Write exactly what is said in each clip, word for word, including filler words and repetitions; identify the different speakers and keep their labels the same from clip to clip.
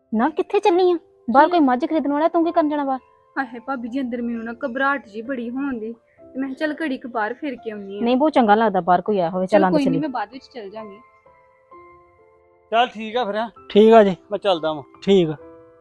Speaker 1: ਨਾ ਕਿੱਥੇ ਚੱਲੀ ਆ? ਬਾਹਰ ਕੋਈ ਮੱਝ ਖਰੀਦਣ ਵਾਲਾ, ਤੂੰ ਕੀ ਕਰਨ ਜਾਣਾ ਬਾਹਰ?
Speaker 2: ਆਹੇ ਭਾਬੀ ਜੀ ਅੰਦਰ ਮੈਨੂੰ ਨਾ ਘਬਰਾਹਟ ਜੀ ਬੜੀ ਹੋਣ ਦੀ ਤੇ ਮੈਂ ਕਿਹਾ ਚੱਲ ਘੜੀ ਕੁ ਬਾਹਰ ਫਿਰ ਕੇ ਆਉਣੀ ਆ।
Speaker 1: ਨਹੀਂ ਬਹੁਤ ਚੰਗਾ ਲੱਗਦਾ ਬਾਹਰ ਕੋਈ ਆਇਆ ਹੋਵੇ। ਚੱਲ
Speaker 2: ਚਲ
Speaker 1: ਆਂਦੇ
Speaker 2: ਕੋਈ ਨਹੀਂ
Speaker 1: ਚੱਲੀ।
Speaker 2: ਮੈਂ ਬਾਅਦ ਵਿੱਚ ਚੱਲ ਜਾਵਾਂਗੀ।
Speaker 3: ਚੱਲ ਠੀਕ ਆ ਫਿਰ ਹੈਂ।
Speaker 4: ਠੀਕ ਆ ਜੀ।
Speaker 3: ਮੈਂ ਚੱਲਦਾ ਵਾਂ।
Speaker 4: ਠੀਕ ਆ।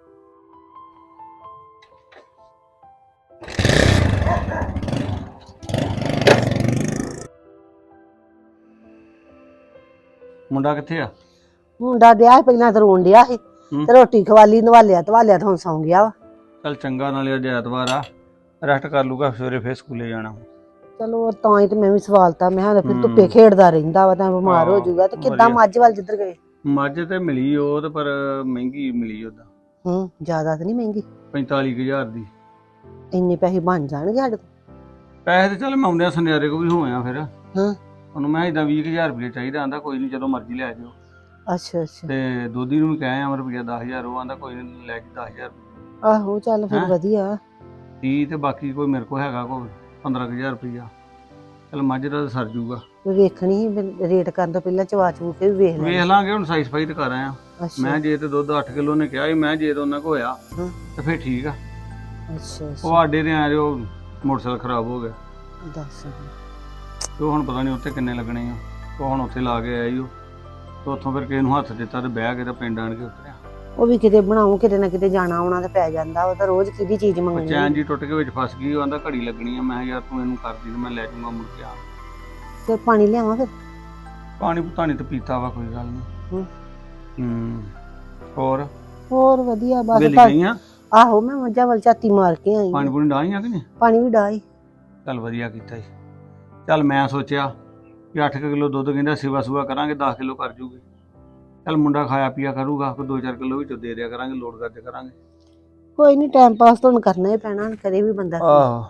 Speaker 3: ਮੁੰਡਾ ਕਿੱਥੇ ਆ?
Speaker 5: ਮੁੰਡਾ ਡਿਆ ਸੀ ਪਹਿਲਾਂ ਤੇ ਰੋਣ ਡਿਆ ਸੀ
Speaker 3: ਹੂੰ।
Speaker 5: ਤੇ ਰੋਟੀ ਖਵਾਲੀ ਨਵਾਲਿਆ ਧਵਾਲਿਆ ਤੇ ਹੁਣ ਸੌਂ ਗਿਆ ਵਾ।
Speaker 3: ਚੱਲ ਚੰਗਾ, ਨਾਲੇ ਅੱਜ ਐਤਵਾਰ ਆ, ਰੈਸਟ ਕਰ ਲੂਗਾ, ਸਵੇਰੇ ਫੇਰ ਸਕੂਲੇ ਜਾਣਾ।
Speaker 5: ਚਲੋ ਤਾਂ ਹੀ ਤੇ ਮੈਂ ਵੀ ਸਵਾਲਤਾ, ਮੈਂ ਕਿਹਾ ਫਿਰ
Speaker 3: ਹੂੰ।
Speaker 5: ਧੁੱਪੇ ਖੇਡਦਾ ਰਹਿੰਦਾ ਵਾ ਤਾਂ ਬਿਮਾਰ ਹੋ
Speaker 3: ਹਾਂ,
Speaker 5: ਜਾਊਗਾ। ਤੇ ਕਿੱਦਾਂ
Speaker 3: ਵਧੀਆ।
Speaker 5: ਮੱਝ ਵੱਲ ਜਿੱਧਰ ਗਏ?
Speaker 3: ਮੱਝ ਤੇ ਮਿਲੀ ਉਹ ਤੇ, ਪਰ ਮਹਿੰਗੀ ਮਿਲੀ ਉਹਦਾ,
Speaker 5: ਹੂੰ ਜ਼ਿਆਦਾ ਤਾਂ ਨਹੀਂ ਮਹਿੰਗੀ?
Speaker 3: ਪੈਂਤਾਲੀ ਕੁ ਹਜ਼ਾਰ ਦੀ।
Speaker 5: ਇੰਨੇ ਪੈਸੇ ਬਣ ਜਾਣਗੇ ਸਾਡੇ ਕੋਲ?
Speaker 3: ਪੈਸੇ ਤੇ ਚੱਲ ਮੈਂ ਆਉਂਦਿਆਂ ਸੁਨਿਆਰੇ ਕੋ ਵੀ ਹੋਇਆ ਫਿਰ।
Speaker 5: ਹਾਂ।
Speaker 3: ਉਹਨੂੰ ਮੈਂ ਇਦਾਂ ਵੀਹ ਕੁ ਹਜ਼ਾਰ ਰੁਪਏ ਚਾਹੀਦਾ, ਆਂਦਾ ਕੋਈ ਨਹੀਂ ਜਦੋਂ ਮਰਜ਼ੀ ਲੈ ਜਾਓ।
Speaker 5: ਅੱਛਾ ਅੱਛਾ।
Speaker 3: ਤੇ ਦੋਧੀ ਨੂੰ ਵੀ ਕਹਿ ਆ ਰੁਪਈਆ ਦਸ ਹਜ਼ਾਰ, ਉਹ ਆਂਦਾ ਕੋਈ ਨਹੀਂ ਲੈ ਕੇ ਦਸ ਹਜ਼ਾਰ।
Speaker 5: ਆਹੋ ਚੱਲ ਫਿਰ
Speaker 3: ਹੈਂ?
Speaker 5: ਵਧੀਆ।
Speaker 3: ਤੀਹ ਤੇ ਬਾਕੀ ਕੋਈ ਮੇਰੇ ਕੋਲ ਹੈਗਾ ਕੋਈ ਪੰਦਰਾਂ ਕੁ ਹਜ਼ਾਰ ਰੁਪਈਆ। ਚੱਲ ਮੱਝ ਦਾ ਤਾਂ ਸਰ ਜੂਗਾ।
Speaker 5: ਵੇਖਣੀ ਸੀ ਰੇਟ ਕਰਨ ਤੋਂ ਪਹਿਲਾਂ ਚਵਾ ਚੂ ਕੇ ਵੀ ਵੇਖ ਲੈ।
Speaker 3: ਵੇਖ ਲਾਂਗੇ, ਹੁਣ ਸਾਈ ਸਫਾਈ ਤੇ ਕਰ ਆਇਆ।
Speaker 5: ਅੱਛਾ
Speaker 3: ਮੈਂ ਜੇ ਤੇ ਦੁੱਧ ਅੱਠ ਕਿਲੋ ਨੇ ਕਿਹਾ ਸੀ, ਮੈਂ ਜੇ ਤੇ ਉਹਨਾਂ ਕੋ ਹੋਇਆ
Speaker 5: ਹਾਂ।
Speaker 3: ਤੇ ਫੇਰ ਠੀਕ ਆ।
Speaker 5: ਅੱਛਾ
Speaker 3: ਉਹ
Speaker 5: ਅੱਛਾ।
Speaker 3: ਆਡੇ ਦੇ ਆ ਜੋ ਮੋਟਰਸਾਈਕਲ ਖਰਾਬ ਹੋ ਗਿਆ,
Speaker 5: ਦੱਸ।
Speaker 3: ਤੇ ਉਹ ਹੁਣ ਪਤਾ ਨਹੀਂ ਉੱਥੇ ਕਿੰਨੇ ਲੱਗਣੇ ਆ। ਉਹ ਹੁਣ ਉੱਥੇ ਲਾ ਕੇ ਆਇਆ ਈ ਉਹ, ਤੇ ਉੱਥੋਂ ਫਿਰ ਕਿਸੇ ਨੂੰ ਹੱਥ ਦਿੱਤਾ ਤੇ ਬਹਿ ਕੇ ਤੇ ਪਿੰਡ ਆਣ ਕੇ ਉਤਰਿਆ।
Speaker 5: ਉਹ ਵੀ ਕਿਤੇ ਬਣਾਉ, ਕਿਤੇ ਨਾ ਕਿਤੇ ਜਾਣਾ ਆਉਣਾ ਤੇ ਪੈ ਜਾਂਦਾ। ਉਹ ਤਾਂ ਰੋਜ਼ ਕਿਹਦੀ ਚੀਜ਼
Speaker 3: ਉਹ
Speaker 5: ਮੰਗਣੀ।
Speaker 3: ਚੈਨ ਜੀ ਟੁੱਟ ਕੇ ਵਿੱਚ ਫਸ ਗਈ। ਉਹ ਆਂਦਾ ਘੜੀ ਲੱਗਣੀ ਆ। ਮੈਂ ਕਿਹਾ ਯਾਰ ਤੂੰ ਇਹਨੂੰ ਕਰਦੀ ਤੇ ਮੈਂ ਲੈ ਜਾਊਂਗਾ ਮੁੜ ਕੇ ਆ।
Speaker 5: ਤੇ ਪਾਣੀ ਲਿਆਵਾਂ ਫਿਰ?
Speaker 3: ਪਾਣੀ ਪੁਤਾਣੀ ਤੇ ਪੀਤਾ ਵਾ, ਕੋਈ ਗੱਲ ਨਹੀਂ।
Speaker 5: ਹੂੰ।
Speaker 3: ਹੂੰ। ਹੋਰ
Speaker 5: ਹੋਰ ਵਧੀਆ ਬਸ।
Speaker 3: ਵੇਲੀ
Speaker 5: ਤਾਂ-
Speaker 3: ਗਈਆਂ?
Speaker 5: ਆਹੋ ਮੈਂ ਮੱਝਾਂ ਵੱਲ ਝਾਤੀ ਮਾਰ ਕੇ ਆਈ
Speaker 3: ਪਾਣੀ
Speaker 5: ਆਂ।
Speaker 3: ਪੂਣੀ ਡਾਹੀਆਂ ਕਿ ਨਹੀਂ?
Speaker 5: ਪਾਣੀ ਵੀ ਡਾਈ।
Speaker 3: ਚੱਲ ਵਧੀਆ ਕੀਤਾ ਜੀ। ਚੱਲ ਮੈਂ ਸੋਚਿਆ ਕਿ ਅੱਠ ਕਿਲੋ ਦੁੱਧ ਕਹਿੰਦਾ ਸੇਵਾ ਸੂਆ ਕਰਾਂਗੇ, ਦਸ ਕਿਲੋ ਕਰ ਜੂਗੇ। ਚੱਲ ਮੁੰਡਾ ਖਾਇਆ ਪੀਆ ਕਰੂਗਾ, ਕੋਈ ਦੋ ਚਾਰ ਕਿਲੋ ਵਿੱਚੋਂ ਦੇ ਦਿਆ ਕਰਾਂਗੇ, ਲੋਡ ਕਰਦੇ ਕਰਾਂਗੇ।
Speaker 5: ਕੋਈ ਨਹੀਂ, ਟਾਈਮ ਪਾਸ ਤਾਂ ਹੁਣ ਕਰਨਾ ਹੀ ਪੈਣਾ, ਕਰੇ ਵੀ ਬੰਦਾ।
Speaker 3: ਆਹੋ।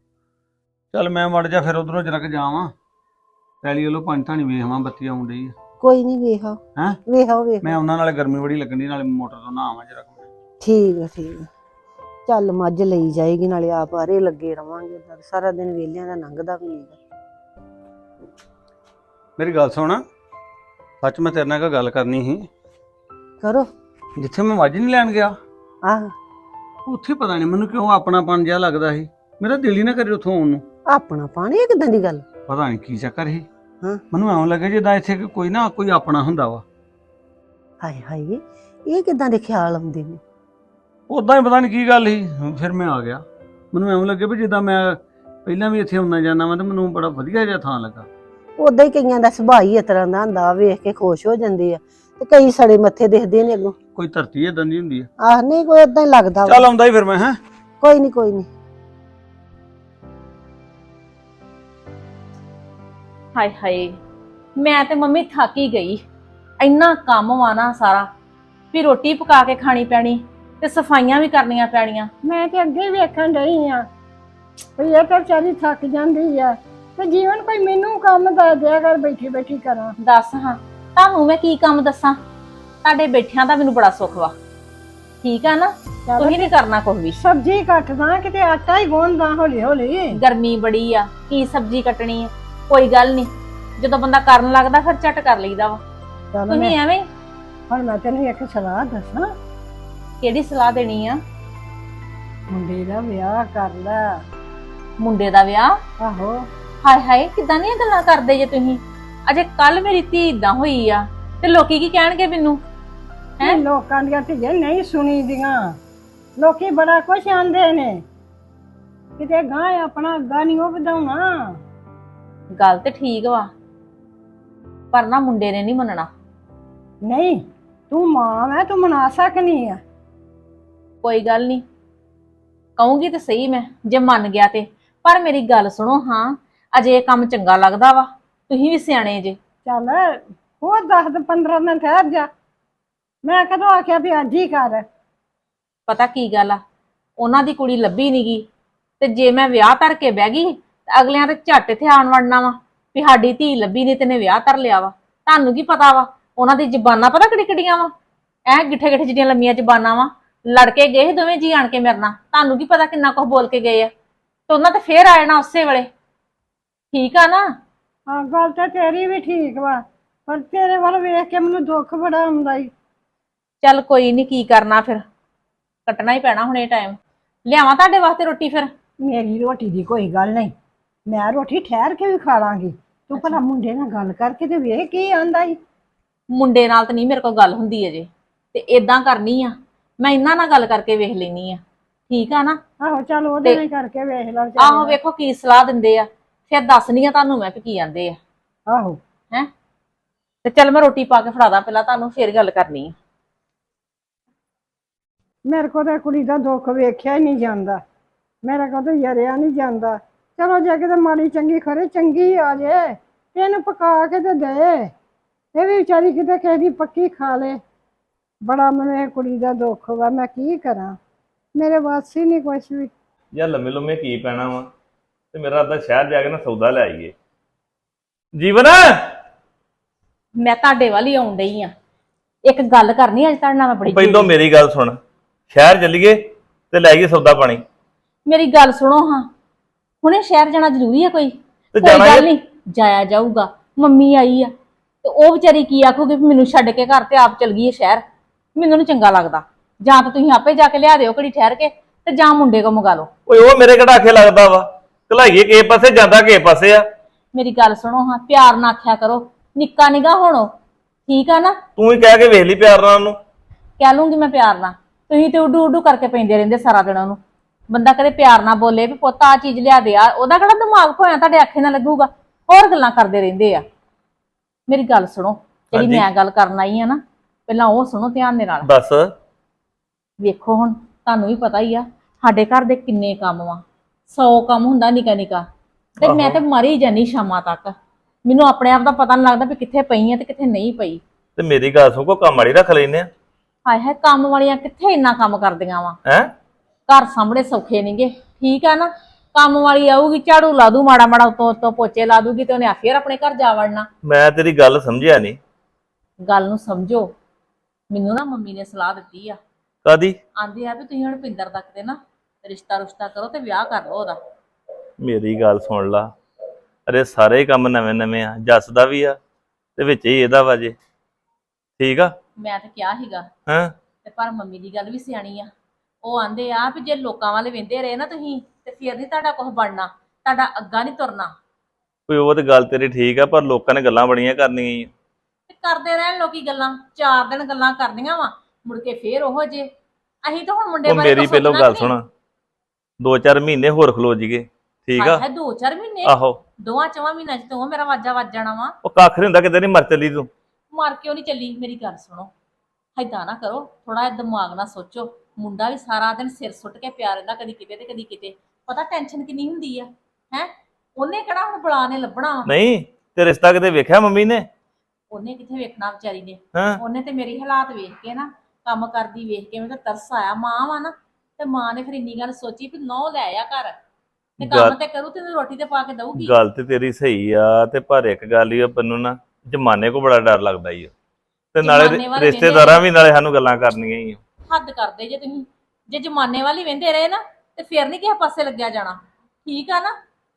Speaker 3: ਚੱਲ ਮੈਂ ਮੜ ਜਾ ਫਿਰ ਉਧਰੋਂ ਜਰਾ ਕਿ ਜਾਵਾਂ, ਪੈਲੀ ਵੱਲੋਂ ਪੰਜ ਥਾਣੀ ਵੇਖਵਾਂ, ਬੱਤੀ ਆਉਣ ਡਈ ਆ।
Speaker 5: ਕੋਈ ਨਹੀਂ ਵੇਖਾਓ।
Speaker 3: ਹੈਂ?
Speaker 5: ਵੇਖਾਓ ਵੇਖ।
Speaker 3: ਮੈਂ ਉਹਨਾਂ ਨਾਲ ਗਰਮੀ ਬੜੀ ਲੱਗਣੀ, ਨਾਲੇ ਮੋਟਰ ਤੋਂ ਨਾ ਆਵਾਂ ਜਰਾ।
Speaker 5: ਠੀਕ ਆ ਠੀਕ ਆ। ਚੱਲ ਮੱਝ ਲਈ ਜਾਏਗੀ, ਨਾਲੇ ਆਪ ਆਰੇ ਲੱਗੇ ਰਵਾਂਗੇ। ਸਾਰਾ ਦਿਨ ਵੇਲਿਆਂ ਦਾ ਲੰਘਦਾ ਵੀ ਨਹੀਂ।
Speaker 3: ਮੇਰੀ ਗੱਲ ਸੁਣ, ਸੱਚ ਮੈਂ ਤੇਰੇ ਨਾਲ ਇੱਕ ਗੱਲ ਕਰਨੀ ਸੀ।
Speaker 5: ਕਰੋ।
Speaker 3: ਜਿੱਥੇ ਮੈਂ ਮੱਝ ਨਹੀਂ ਲੈਣ ਗਿਆ,
Speaker 5: ਆਹ
Speaker 3: ਉੱਥੇ ਪਤਾ ਨਹੀਂ ਮੈਨੂੰ ਕਿਉਂ ਆਪਣਾਪਣ ਜਿਹਾ ਲੱਗਦਾ ਸੀ। ਮੇਰਾ ਦਿਲ ਹੀ ਨਾ ਕਰੇ ਉੱਥੋਂ ਆਉਣ ਨੂੰ।
Speaker 5: ਆਪਣਾ ਪਾਣੀ ਇਹ ਕਿਦਾਂ ਦੀ ਗੱਲ?
Speaker 3: ਪਤਾ ਨਹੀਂ ਕੀ ਚੱਕਰ ਸੀ।
Speaker 5: ਹਾਂ।
Speaker 3: ਮੈਨੂੰ ਐਂ ਲੱਗੇ ਜਿੱਦਾਂ ਇੱਥੇ ਕੋਈ ਨਾ ਕੋਈ ਆਪਣਾ ਹੁੰਦਾ ਵਾ।
Speaker 5: ਹਾਏ ਹਾਏ, ਇਹ ਕਿਦਾਂ ਦੇ ਖਿਆਲ ਆਉਂਦੇ ਨੇ?
Speaker 3: ਉਦਾਂ ਹੀ ਪਤਾ ਨਹੀਂ ਕੀ ਗੱਲ ਸੀ, ਫਿਰ ਮੈਂ ਆ ਗਿਆ। ਮੈਨੂੰ ਐਂ ਲੱਗੇ ਵੀ ਜਿੱਦਾਂ ਮੈਂ ਪਹਿਲਾਂ ਵੀ ਇੱਥੇ ਆਉਣਾ ਜਾਂਦਾ ਵਾਂ, ਤੇ ਮੈਨੂੰ ਬੜਾ ਵਧੀਆ ਜਿਹਾ ਥਾਂ ਲੱਗਾ।
Speaker 5: ਉਦਾਂ ਹੀ ਕਈਆਂ ਦਾ ਸੁਭਾਅ ਹੀ ਇਸ ਤਰ੍ਹਾਂ ਦਾ ਹੁੰਦਾ, ਵੇਖ ਕੇ ਖੁਸ਼ ਹੋ ਜਾਂਦੇ ਆ। ਤੇ ਕਈ ਸੜੇ ਮੱਥੇ ਦਿਖਦੇ ਨੇ ਅੱਗੋਂ।
Speaker 3: ਕੋਈ ਧਰਤੀ ਏਦਾਂ ਦੀ ਹੁੰਦੀ ਆ।
Speaker 5: ਆਹ ਨਹੀਂ, ਕੋਈ ਏਦਾਂ ਹੀ ਲੱਗਦਾ ਵਾ।
Speaker 3: ਚੱਲ ਆਉਂਦਾ ਹੀ ਫਿਰ ਮੈਂ। ਹੈਂ?
Speaker 5: ਕੋਈ ਨਹੀਂ ਕੋਈ ਨਹੀਂ।
Speaker 1: ਹਾਏ ਹਾਏ, ਮੈਂ ਤੇ ਮੰਮੀ ਥੱਕ ਹੀ ਗਈ। ਇੰਨਾ ਕੰਮ ਵਾ ਨਾ ਸਾਰਾ, ਵੀ ਰੋਟੀ ਪਕਾ ਕੇ ਖਾਣੀ ਪੈਣੀ ਤੇ ਸਫਾਈਆਂ ਵੀ ਕਰਨੀਆਂ ਪੈਣੀਆਂ।
Speaker 6: ਮੈਂ ਤੇ ਅੱਗੇ ਵੇਖਣ ਡਈ ਆ ਵੀ ਇਹ ਤਾਂ ਵਿਚਾਰੀ ਥੱਕ ਜਾਂਦੀ ਆ, ਤੇ ਜੀਵਨ ਕੋਈ ਮੈਨੂੰ ਕੰਮ ਦੱਸ ਦਿਆ ਕਰ, ਬੈਠੀ ਬੈਠੀ ਕਰਾਂ।
Speaker 1: ਦੱਸ ਹਾਂ, ਤੁਹਾਨੂੰ ਮੈਂ ਕੀ ਕੰਮ ਦੱਸਾਂ? ਤੁਹਾਡੇ ਬੈਠਿਆਂ ਦਾ ਮੈਨੂੰ ਬੜਾ ਸੁੱਖ ਵਾ। ਠੀਕ ਆ ਨਾ? ਤੁਸੀਂ ਨਹੀਂ ਕਰਨਾ ਕੁਝ ਵੀ।
Speaker 6: ਸਬਜ਼ੀ ਕੱਟਦਾ, ਕਿਤੇ ਆਟਾ ਹੀ ਗੁੰਨਦਾ ਹੌਲੀ ਹੌਲੀ।
Speaker 1: ਗਰਮੀ ਬੜੀ ਆ, ਕੀ ਸਬਜ਼ੀ ਕੱਟਣੀ ਆ? ਕੋਈ ਗੱਲ ਨਹੀਂ, ਜਦੋਂ ਬੰਦਾ ਕਰਨ ਲੱਗਦਾ ਫਿਰ ਝਟ ਕਰ ਲਈਦਾ ਵਾ।
Speaker 6: ਚੱਲ
Speaker 1: ਤੁਸੀਂ
Speaker 6: ਮੈਂ
Speaker 1: ਐਵੇਂ
Speaker 6: ਹੁਣ ਮੈਂ ਤੈਨੂੰ ਇੱਕ ਸਲਾਹ ਦੱਸਾਂ।
Speaker 1: ਕਿਹੜੀ ਸਲਾਹ ਦੇਣੀ ਆ?
Speaker 6: ਮੁੰਡੇ ਦਾ ਵਿਆਹ ਕਰ ਲੈ।
Speaker 1: ਮੁੰਡੇ ਦਾ ਵਿਆਹ?
Speaker 6: ਆਹੋ।
Speaker 1: ਹਾਏ ਹਾਏ, ਕਿੱਦਾਂ ਦੀਆਂ ਗੱਲਾਂ ਕਰਦੇ ਜੇ ਤੁਸੀਂ? ਅਜੇ ਕੱਲ ਮੇਰੀ ਧੀ ਇਦਾਂ ਹੋਈ ਆ, ਤੇ ਲੋਕੀ ਕੀ ਕਹਿਣਗੇ ਮੈਨੂੰ?
Speaker 6: ਇਹ ਲੋਕਾਂ ਦੀਆਂ ਧੀਆਂ ਨਹੀਂ ਸੁਣੀ ਦੀਆਂ, ਲੋਕੀ ਬੜਾ ਕੁਛ ਆਂਦੇ ਨੇ। ਕਿਤੇ ਗਾਂ ਆਪਣਾ ਅੱਗਾ ਨਹੀਂ ਉਹ ਵਧਾਉਣਾ।
Speaker 1: ਗੱਲ ਤੇ ਠੀਕ ਵਾ, ਪਰ ਨਾ ਮੁੰਡੇ ਨੇ ਨਹੀਂ ਮੰਨਣਾ।
Speaker 6: ਨਹੀਂ, ਤੂੰ ਮਾਂ ਹੈ, ਤੂੰ ਮਨਾ ਸਕਨੀ ਆ।
Speaker 1: ਕੋਈ ਗੱਲ ਨਹੀਂ, ਕਹੂੰਗੀ ਤੇ ਸਹੀ ਮੈਂ, ਜੇ ਮੰਨ ਗਿਆ ਤੇ। ਪਰ ਮੇਰੀ ਗੱਲ ਸੁਣੋ ਹਾਂ, ਅਜੇ ਇਹ ਕੰਮ ਚੰਗਾ ਲੱਗਦਾ ਵਾ? ਤੁਸੀਂ ਵੀ ਸਿਆਣੇ ਜੇ।
Speaker 6: ਚੱਲ ਹੋਰ ਦਸ ਪੰਦਰਾਂ ਦਿਨ ਠਹਿਰ ਜਾ। ਮੈਂ ਕਦੋਂ ਆਖਿਆ ਵੀ ਅੱਜ ਹੀ ਕਰ?
Speaker 1: ਪਤਾ ਕੀ ਗੱਲ ਆ, ਉਹਨਾਂ ਦੀ ਕੁੜੀ ਲੱਭੀ ਨੀ ਗੀ, ਤੇ ਜੇ ਮੈਂ ਵਿਆਹ ਧਰ ਕੇ ਬਹਿ ਗਈ ਤੇ ਅਗਲਿਆਂ ਤੇ ਝੱਟ ਇੱਥੇ ਆਣ ਵੜਨਾ ਵਾ ਵੀ ਸਾਡੀ ਧੀ ਲੱਭੀ ਨੀ, ਤੈਨੇ ਵਿਆਹ ਧਰ ਲਿਆ ਵਾ। ਤੁਹਾਨੂੰ ਕੀ ਪਤਾ ਵਾ ਉਹਨਾਂ ਦੀ ਜ਼ਬਾਨਾਂ ਪਤਾ ਕਿਹੜੀ ਕਿਹੜੀਆਂ ਵਾ? ਐ ਗਿੱਠੇ ਗਿੱਠੇ ਜਿਹੜੀਆਂ ਲੰਮੀਆਂ ਜ਼ਬਾਨਾਂ ਵਾ। ਲੜ ਕੇ ਗਏ ਦੋਵੇਂ ਜੀ ਆਣ ਕੇ ਮੇਰੇ ਨਾਲ, ਤੁਹਾਨੂੰ ਕੀ ਪਤਾ ਕਿੰਨਾ ਕੁਝ ਬੋਲ ਕੇ ਗਏ ਆ। ਤੇ ਉਹਨਾਂ ਤੇ ਫੇਰ ਆ ਜਾਣਾ ਉਸੇ ਵੇਲੇ। ਠੀਕ ਆ ਨਾ?
Speaker 6: ਹਾਂ, ਗੱਲ ਤਾਂ ਤੇਰੀ ਵੀ ਠੀਕ ਵਾ, ਪਰ ਤੇਰੇ ਵੱਲ ਵੇਖ ਕੇ ਮੈਨੂੰ ਦੁੱਖ ਬੜਾ ਆਉਂਦਾ ਈ।
Speaker 1: ਚੱਲ ਕੋਈ ਨਹੀਂ, ਕੀ ਕਰਨਾ ਫਿਰ, ਕੱਟਣਾ ਹੀ ਪੈਣਾ ਹੁਣ ਇਹ ਟਾਈਮ। ਲਿਆਵਾਂ ਤੁਹਾਡੇ ਵਾਸਤੇ ਰੋਟੀ ਫਿਰ?
Speaker 6: ਮੇਰੀ ਰੋਟੀ ਦੀ ਕੋਈ ਗੱਲ ਨਹੀਂ, ਮੈਂ ਰੋਟੀ ਠਹਿਰ ਕੇ ਵੀ ਖਾ ਲਾਂਗੀ। ਤੂੰ ਭਲਾ ਮੁੰਡੇ ਨਾਲ ਗੱਲ ਕਰਕੇ ਤੇ ਵੇਖ ਕੀ ਆਂਦਾ ਈ।
Speaker 1: ਮੁੰਡੇ ਨਾਲ ਤਾਂ ਨਹੀਂ ਮੇਰੇ ਕੋਲ ਗੱਲ ਹੁੰਦੀ ਅਜੇ, ਤੇ ਇਦਾਂ ਕਰਨੀ ਆ, ਮੈਂ ਇਹਨਾਂ ਨਾਲ ਗੱਲ ਕਰਕੇ ਵੇਖ ਲੈਣੀ ਆ, ਠੀਕ ਆ ਨਾ?
Speaker 6: ਆਹੋ ਚੱਲ ਉਹਦੇ ਨਾਲ ਹੀ ਕਰਕੇ ਵੇਖ ਲਾ।
Speaker 1: ਆਹੋ ਵੇਖੋ ਕੀ ਸਲਾਹ ਦਿੰਦੇ ਆ, ਫਿਰ ਦੱਸਣੀ ਆ ਤੁਹਾਨੂੰ ਮੈਂ ਵੀ ਕੀ ਆਂਦੇ ਆ।
Speaker 6: ਆਹੋ
Speaker 1: ਹੈ ਤੇ ਚੱਲ ਮੈਂ ਰੋਟੀ ਪਾ ਕੇ ਫੜਾਦਾ ਪਹਿਲਾਂ ਤੁਹਾਨੂੰ, ਫਿਰ ਗੱਲ ਕਰਨੀ ਆ।
Speaker 6: ਮੇਰੇ ਕੋਲ ਤਾਂ ਕੁੜੀ ਦਾ ਦੁੱਖ ਵੇਖਿਆ ਹੀ ਨਹੀਂ ਜਾਂਦਾ, ਮੇਰੇ ਕੋਲ ਤਾਂ ਯਰਿਆ ਨਹੀਂ ਜਾਂਦਾ। ਚਲੋ ਜੇ ਕਿਤੇ ਮਾੜੀ ਚੰਗੀ ਖਰੇ ਚੰਗੀ ਆ ਜੇ ਤੇ ਇਹਨੂੰ ਪਕਾ ਕੇ ਤੇ ਦੇ, ਇਹ ਵੀ ਵਿਚਾਰੀ ਕਿਤੇ ਕਿਸੇ ਦੀ ਪੱਕੀ ਖਾ ਲੇ। ਬੜਾ ਮੈਨੂੰ ਇਹ ਕੁੜੀ ਦਾ ਦੁੱਖ ਵਾ, ਮੈਂ ਕੀ ਕਰਾਂ, ਮੇਰੇ ਵੱਸ ਹੀ ਨਹੀਂ ਕੁਛ ਵੀ।
Speaker 4: ਯਾਰ ਲੰਮੇ ਲੰਮੇ ਕੀ ਪੈਣਾ ਵਾ, ਤੇ ਮੇਰਾ ਅੱਧਾ ਸ਼ਹਿਰ ਜਾ ਕੇ ਨਾ ਸੌਦਾ ਲੈ ਆਈਏ। ਜੀਵਨ
Speaker 1: ਮੈਂ ਤੁਹਾਡੇ ਵੱਲ ਹੀ ਆਉਣ ਡਈ ਆ, ਇੱਕ ਗੱਲ ਕਰਨੀ ਅੱਜ ਤੁਹਾਡੇ ਨਾਲ ਮੈਂ ਬੜੀ
Speaker 4: ਪਹਿਲਾਂ ਮੇਰੀ ਗੱਲ ਸੁਣ, ਸ਼ਹਿਰ ਚੱਲੀਏ ਤੇ ਲੈ ਆਈਏ ਸੌਦਾ ਪਾਣੀ।
Speaker 1: ਮੇਰੀ ਗੱਲ ਸੁਣੋ ਹਾਂ, ਹੁਣੇ ਸ਼ਹਿਰ ਜਾਣਾ ਜ਼ਰੂਰੀ ਹੈ ਕੋਈ?
Speaker 4: ਤੇ
Speaker 1: ਕੋਈ
Speaker 4: ਜਾਣਾ
Speaker 1: ਗੱਲ
Speaker 4: ਹੀ-
Speaker 1: ਨਹੀਂ, ਜਾਇਆ ਜਾਊਗਾ। ਮੰਮੀ ਆਈ ਆ ਤੇ ਉਹ ਵਿਚਾਰੀ ਕੀ ਆਖੂਗੀ ਵੀ ਮੈਨੂੰ ਛੱਡ ਕੇ ਘਰ ਤੇ ਆਪ ਚਲ ਗਈ ਹੈ ਸ਼ਹਿਰ, ਮੈਨੂੰ ਨੀ ਚੰਗਾ ਲੱਗਦਾ। ਜਾਂ ਤਾਂ ਤੁਸੀਂ ਆਪੇ ਜਾ ਕੇ ਲਿਆ ਦਿਓ ਘੜੀ ਠਹਿਰ ਕੇ, ਤੇ ਜਾਂ ਮੁੰਡੇ ਕੋ ਮੰਗਾ ਲਓ।
Speaker 4: ਓਏ ਉਹ ਮੇਰੇ ਕਿਹੜਾ ਆਖੇ ਲੱਗਦਾ ਵਾ, ਘਲਾਈਏ ਕਿਸੇ ਪਾਸੇ ਜਾਂਦਾ ਕਿਸੇ ਪਾਸੇ ਆ।
Speaker 1: ਮੇਰੀ ਗੱਲ ਸੁਣੋ ਹਾਂ, ਪਿਆਰ ਨਾਲ ਆਖਿਆ ਕਰੋ, ਨਿੱਕਾ ਨਿੱਘਾ ਹੋਣੋ, ਠੀਕ ਆ ਨਾ?
Speaker 4: ਤੂੰ ਹੀ ਕਹਿ ਕੇ ਵੇਖ ਲਈ ਪਿਆਰ ਨਾਲ ਉਹਨੂੰ।
Speaker 1: ਕਹਿ ਲੂੰਗੀ ਮੈਂ ਪਿਆਰ ਨਾਲ, ਤੁਸੀਂ ਤੇ ਉਡੂ ਉਡੂ ਕਰਕੇ ਪੈਂਦੇ ਰਹਿੰਦੇ ਸਾਰਾ ਦਿਨ ਉਹਨੂੰ। ਬੰਦਾ ਕਦੇ ਪਿਆਰ ਨਾਲ ਬੋਲੇ ਵੀ ਪੁੱਤ ਆ ਚੀਜ਼ ਲਿਆ ਦੇ, ਆ ਉਹਦਾ ਕਿਹੜਾ ਦਿਮਾਗ ਖੋਇਆ ਤੁਹਾਡੇ ਆਖੇ ਨਾਲ ਲੱਗੂਗਾ? ਹੋਰ ਗੱਲਾਂ ਕਰਦੇ ਰਹਿੰਦੇ ਆ। ਮੇਰੀ ਗੱਲ ਸੁਣੋ, ਜਿਹੜੀ
Speaker 4: ਹਾਂਜੀ।
Speaker 1: ਮੈਂ ਗੱਲ ਕਰਨ ਆਈ ਆ ਨਾ, ਪਹਿਲਾਂ ਉਹ ਸੁਣੋ ਧਿਆਨ ਦੇ ਨਾਲ।
Speaker 4: ਦੱਸ।
Speaker 1: ਵੇਖੋ ਹੁਣ ਤੁਹਾਨੂੰ ਵੀ ਪਤਾ ਹੀ ਆ ਸਾਡੇ ਘਰ ਦੇ ਕਿੰਨੇ ਕੰਮ ਵਾ, ਸੌ ਕੰਮ ਹੁੰਦਾ ਨਿੱਕਾ ਨਿੱਕਾ, ਤੇ ਮੈਂ ਤੇ ਮਰੀ ਜਾਨੀ ਸ਼ਾਮਾਂ ਤੱਕ। ਮੈਨੂੰ ਆਪਣੇ ਆਪ ਦਾ ਪਤਾ ਨਹੀਂ ਲੱਗਦਾ ਵੀ ਕਿੱਥੇ ਪਈ ਆ ਤੇ ਕਿੱਥੇ ਨਹੀਂ ਪਈ।
Speaker 4: ਤੇ ਮੇਰੀ ਗੱਲ ਸੁਣ, ਕੋ ਕੰਮ ਵਾਲੀ ਰੱਖ ਲੈਨੇ ਆ।
Speaker 1: ਹਾਏ ਹਾਏ, ਕੰਮ ਵਾਲੀਆਂ ਕਿੱਥੇ ਇੰਨਾ ਕੰਮ ਕਰਦੀਆਂ ਵਾ?
Speaker 4: ਹੈ
Speaker 1: ਘਰ ਸਾਹਮਣੇ ਸੌਖੇ ਨਹੀਂਗੇ, ਠੀਕ ਆ ਨਾ? ਕੰਮ ਵਾਲੀ ਆਊਗੀ, ਝਾੜੂ ਲਾ ਦੂ ਮਾੜਾ ਮਾੜਾ, ਉਤੋਂ ਉਤੋਂ ਪੋਚੇ ਲਾ ਦੂਗੀ, ਤੇ ਉਹਨੇ ਫੇਰ ਆਪਣੇ ਘਰ ਜਾ ਵੜਨਾ।
Speaker 4: ਮੈਂ ਤੇਰੀ ਗੱਲ ਸਮਝਿਆ ਨਹੀਂ।
Speaker 1: ਗੱਲ ਨੂੰ ਸਮਝੋ, ਮੈਨੂੰ ਨਾ ਮੰਮੀ ਨੇ ਸਲਾਹ ਦਿੱਤੀ ਆ,
Speaker 4: ਕਾਦੀ?
Speaker 1: ਆਂਦੀ ਆ ਵੀ ਤੁਸੀਂ ਹੁਣ ਪਿੰਦਰ ਤੱਕ ਤੇ ਨਾ ਰਿਸ਼ਤਾ ਰੁਸ਼ਤਾ ਕਰੋ ਤੇ ਵਿਆਹ ਕਰ ਲਓ ਉਹਦਾ।
Speaker 4: ਮੇਰੀ ਗੱਲ ਸੁਣ ਲਾ, ਅਰੇ ਸਾਰੇ ਕੰਮ ਨਵੇਂ ਨਵੇਂ ਆ, ਜੱਸ ਦਾ ਵੀ ਆ ਤੇ ਵਿੱਚ ਹੀ ਇਹਦਾ ਵਾ ਜੇ, ਠੀਕ ਆ?
Speaker 1: ਮੈਂ ਤਾਂ ਕਿਹਾ ਸੀਗਾ,
Speaker 4: ਹਾਂ
Speaker 1: ਤੇ ਪਰ ਮੰਮੀ ਦੀ ਗੱਲ ਵੀ ਸਿਆਣੀ ਆ। ਉਹ ਆਂਦੇ ਆ ਵੀ ਜੇ ਲੋਕਾਂ ਵਾਲੇ ਵਹਿੰਦੇ ਰਹੇ ਨਾ ਤੁਸੀਂ, ਤੇ ਫਿਰ ਨਹੀਂ ਤੁਹਾਡਾ ਕੁਝ ਬਣਨਾ, ਤੁਹਾਡਾ ਅੱਗਾ ਨਹੀਂ ਤੁਰਨਾ।
Speaker 4: ਕੋਈ ਉਹ ਤੇ ਗੱਲ ਤੇਰੀ ਠੀਕ ਆ, ਪਰ ਲੋਕਾਂ ਨੇ ਗੱਲਾਂ ਬੜੀਆਂ ਕਰਨੀਆਂ ਈ।
Speaker 1: ਤੇ ਕਰਦੇ ਰਹਿਣ ਲੋਕੀ ਗੱਲਾਂ, ਚਾਰ ਦਿਨ ਗੱਲਾਂ ਕਰਨੀਆਂ ਵਾ, ਮੁੜ ਕੇ ਫੇਰ ਉਹੋ ਜੇ। ਅਸੀਂ ਤਾਂ ਹੁਣ ਮੁੰਡੇ
Speaker 4: ਉਹ
Speaker 1: ਬਾਰੇ
Speaker 4: ਮੇਰੀ ਪਹਿਲੋਂ ਗੱਲ ਸੁਣ, ਦੋ ਚਾਰ ਮਹੀਨੇ ਹੋਰ ਖਲੋ ਜੀਗੇ, ਠੀਕ ਆ?
Speaker 1: ਹੈ ਦੋ ਚਾਰ ਮਹੀਨੇ,
Speaker 4: ਆਹੋ,
Speaker 1: ਦੋਵਾਂ ਚਵਾਂ ਮਹੀਨਿਆਂ ਚ ਤੋਂ ਮੇਰਾ ਵਾਜਾ ਵੱਜ ਜਾਣਾ ਵਾ।
Speaker 4: ਉਹ ਕੱਖ ਨੀ ਹੁੰਦਾ, ਕਿਤੇ ਨਹੀਂ ਮਰ ਚੱਲੀ ਤੂੰ।
Speaker 1: ਮਾਰ ਕਿਉਂ ਨਹੀਂ ਚੱਲੀ? ਮੇਰੀ ਗੱਲ ਸੁਣੋ, ਏਦਾਂ ਨਾ ਕਰੋ, ਥੋੜਾ ਜਿਹਾ ਦਿਮਾਗ ਨਾਲ ਸੋਚੋ। ਮੁੰਡਾ ਵੀ ਸਾਰਾ ਦਿਨ ਸਿਰ ਸੁੱਟ ਕੇ ਪਿਆ ਰਹਿੰਦਾ, ਕਦੀ ਕਿਤੇ ਤੇ ਕਦੀ ਕਿਤੇ, ਪਤਾ ਟੈਨਸ਼ਨ ਕਿੰਨੀ ਹੁੰਦੀ ਆ। ਹੈ ਉਹਨੇ ਕਿਹੜਾ ਹੁਣ ਬੁਲਾ ਨੇ ਲੱਭਣਾ ਵਾ?
Speaker 4: ਨਹੀਂ ਤੇ ਰਿਸ਼ਤਾ ਕਿਤੇ ਵੇਖਿਆ ਮੰਮੀ ਨੇ?
Speaker 1: ਉਹਨੇ ਕਿੱਥੇ ਵੇਖਣਾ ਵਿਚਾਰੀ ਨੇ?
Speaker 4: ਹਾਂ
Speaker 1: ਉਹਨੇ ਤੇ ਮੇਰੀ ਹਾਲਾਤ ਵੇਖ ਕੇ ਨਾ, ਕੰਮ ਕਰਦੀ ਵੇਖ ਕੇ ਮੈਨੂੰ ਤਾਂ ਤਰਸ ਆਇਆ। ਮਾਂ ਵਾ ਨਾ, ਤੇ ਮਾਂ ਨੇ ਫਿਰ ਇੰਨੀ ਗੱਲ ਸੋਚੀ ਵੀ ਨੌ ਲੈ ਆ ਘਰ, ਤੇ ਕੰਮ
Speaker 4: ਗੱਲ-
Speaker 1: ਤੇ ਕਰੂ ਤੇ ਰੋਟੀ ਤੇ ਪਾ ਕੇ ਦਊਗੀ।
Speaker 4: ਗੱਲ ਤੇ ਤੇਰੀ ਸਹੀ ਆ, ਤੇ ਪਰ ਇੱਕ ਗੱਲ ਹੀ ਆ, ਮੈਨੂੰ ਨਾ ਜਮਾਨੇ ਕੋ ਬੜਾ ਡਰ ਲੱਗਦਾ ਈ ਓ। ਤੇ ਨਾਲੇ
Speaker 1: ਜ਼ਮਾਨੇ ਵਾਲੇ
Speaker 4: ਰਿਸ਼ਤੇਦਾਰਾਂ ਵੀ ਨਾਲੇ ਸਾਨੂੰ ਗੱਲਾਂ ਕਰਨੀਆਂ ਹੀ।
Speaker 1: ਹੱਦ ਕਰਦੇ ਜੇ ਤੁਸੀਂ, ਜੇ ਜਮਾਨੇ ਵਾਲੀ ਵਹਿੰਦੇ ਰਹੇ ਨਾ, ਤੇ ਫਿਰ ਨਹੀਂ ਕਿਸੇ ਪਾਸੇ ਲੱਗਿਆ ਜਾਣਾ, ਠੀਕ ਆ ਨਾ?